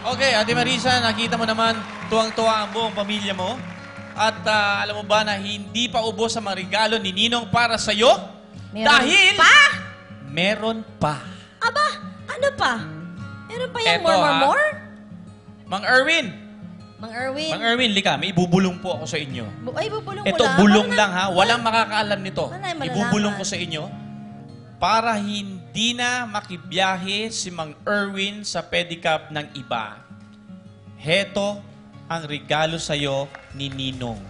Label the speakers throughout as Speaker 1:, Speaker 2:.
Speaker 1: Okay, Ate Marisa, nakita mo naman tuwang-tuwa ang buong pamilya mo. At alam mo ba na hindi pa ubos ang mga regalo ni Ninong para sa'yo? Dahil meron pa.
Speaker 2: Aba, ano pa? Meron pa yung
Speaker 1: Eto,
Speaker 2: more?
Speaker 1: Mang Erwin.
Speaker 2: Mang Erwin.
Speaker 1: Mang Erwin, lika, may ibubulong po ako sa inyo.
Speaker 2: Ay, bubulong mo
Speaker 1: Ito,
Speaker 2: lang.
Speaker 1: bulong lang ha. Walang makakaalam nito.
Speaker 2: Wala yung malalaman.
Speaker 1: Ibubulong ko sa inyo para hindi na makibiyahe si Mang Erwin sa pedicab ng iba. Heto ang regalo sa'yo ni Ninong.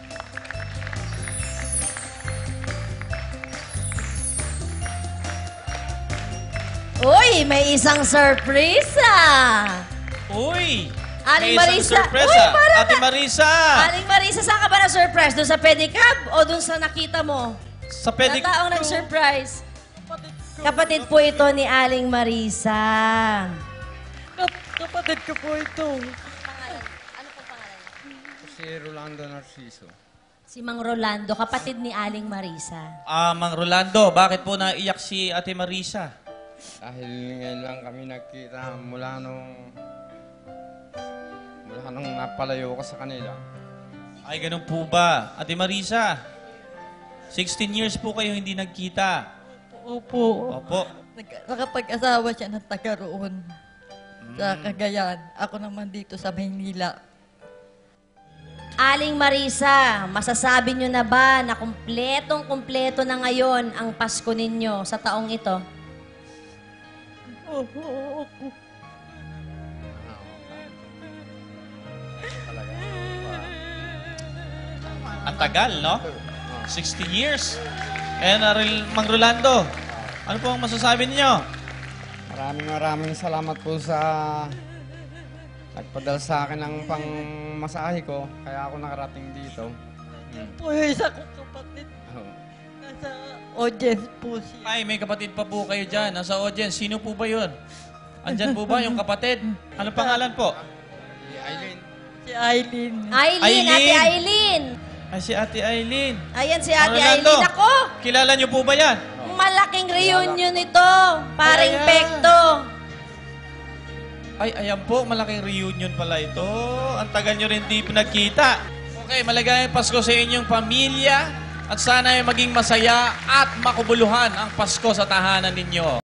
Speaker 2: Uy, may isang surprise
Speaker 1: Uy!
Speaker 2: Aling
Speaker 1: may isang
Speaker 2: Marisa.
Speaker 1: surpresa.
Speaker 2: Uy, parang
Speaker 1: Ate Marisa!
Speaker 2: Aling Marisa, saan ka ba na-surprise? Doon sa pedicab o doon sa nakita mo?
Speaker 1: Sa
Speaker 2: Na
Speaker 1: pedicab.
Speaker 2: taong nag-surprise. Kapatid po ito ni Aling Marisa.
Speaker 3: Kapatid ko po ito.
Speaker 2: Pangalan? Ano pong pangalan?
Speaker 3: Si Rolando Narciso.
Speaker 2: Si Mang Rolando, kapatid ni Aling Marisa.
Speaker 1: Mang Rolando, bakit po naiyak si Ate Marisa?
Speaker 3: Dahil ngayon lang kami nagkita mula nung napalayo ko sa kanila.
Speaker 1: Ay, ganun po ba? Ate Marisa, 16 years po kayo hindi nagkita.
Speaker 4: Opo.
Speaker 1: Opo.
Speaker 4: Nakapag-asawa siya ng taga roon sa Cagayan. Ako naman dito sa Maynila.
Speaker 2: Aling Marisa, masasabi nyo na ba na kumpletong-kumpleto na ngayon ang Pasko ninyo sa taong ito?
Speaker 4: Opo.
Speaker 1: Ang tagal, no? 60 years. And Mang Rolando, ano po ang masasabi niyo?
Speaker 3: Maraming salamat po sa nagpadala sa akin ng pangmasahe ko. Kaya ako nakarating dito.
Speaker 4: Po yung isa kong kapatid. Nasa audience po siya.
Speaker 1: Ay, may kapatid pa po kayo dyan. Nasa audience. Sino po ba yun? Andyan po ba yung kapatid? Ano pangalan po?
Speaker 3: Si Aileen.
Speaker 4: Si Eileen.
Speaker 2: Aileen, Ate Aileen.
Speaker 1: Ay, si Ate Aileen.
Speaker 2: Ayan si
Speaker 1: Mang
Speaker 2: Ate
Speaker 1: Rolando,
Speaker 2: Aileen. Ako,
Speaker 1: kilala niyo po ba yan?
Speaker 2: malaking reunion ito. Paring
Speaker 1: Ayan.
Speaker 2: pekto.
Speaker 1: Ay, ayan po, malaking reunion pala ito. Ang tagal nyo rin di pinagkita. Okay, maligayang Pasko sa inyong pamilya at sana ay maging masaya at makubuluhan ang Pasko sa tahanan ninyo.